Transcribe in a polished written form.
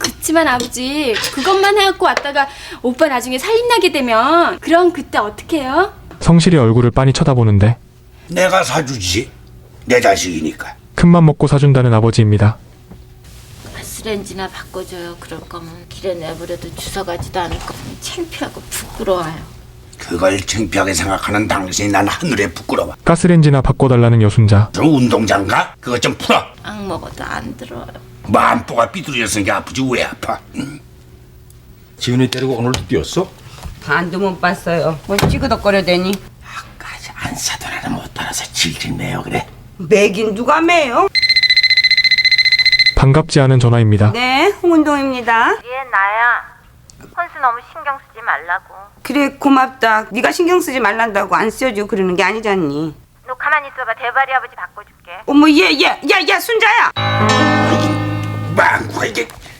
그치만 아버지, 그것만 해갖고 왔다가 오빠 나중에 살림나게 되면 그럼 그때 어떡해요? 성실이 얼굴을 빤히 쳐다보는데 내가 사주지. 내 자식이니까. 큰맘 먹고 사준다는 아버지입니다. 가스레인지나 바꿔줘요. 그럴 거면 길에 내버려도 주워가지도 않을 거. 창피하고 부끄러워요. 그걸 창피하게 생각하는 당신이 난 하늘에 부끄러워. 가스레인지나 바꿔달라는 여순자. 저 운동장가? 그것 좀 풀어. 악 먹어도 안 들어요. 마음보가 삐뚤어졌으니까 아프지 왜 아파? 지훈이 때리고 오늘도 뛰었어? 반도 못 봤어요. 뭘 찌그덕거려대니. 아까지 안 사더라도 못 따라서 질질 매요 그래. 매긴 누가 매요? 반갑지 않은 전화입니다. 네, 홍은동입니다. 얘 나야. 헌수 너무 신경 쓰지 말라고. 그래, 고맙다. 네가 신경 쓰지 말란다고 안 써줘 그러는 게 아니잖니. 너 가만히 있어봐. 대바리 아버지 바꿔줄게. 어머, 야, 순자야! 망구가 이게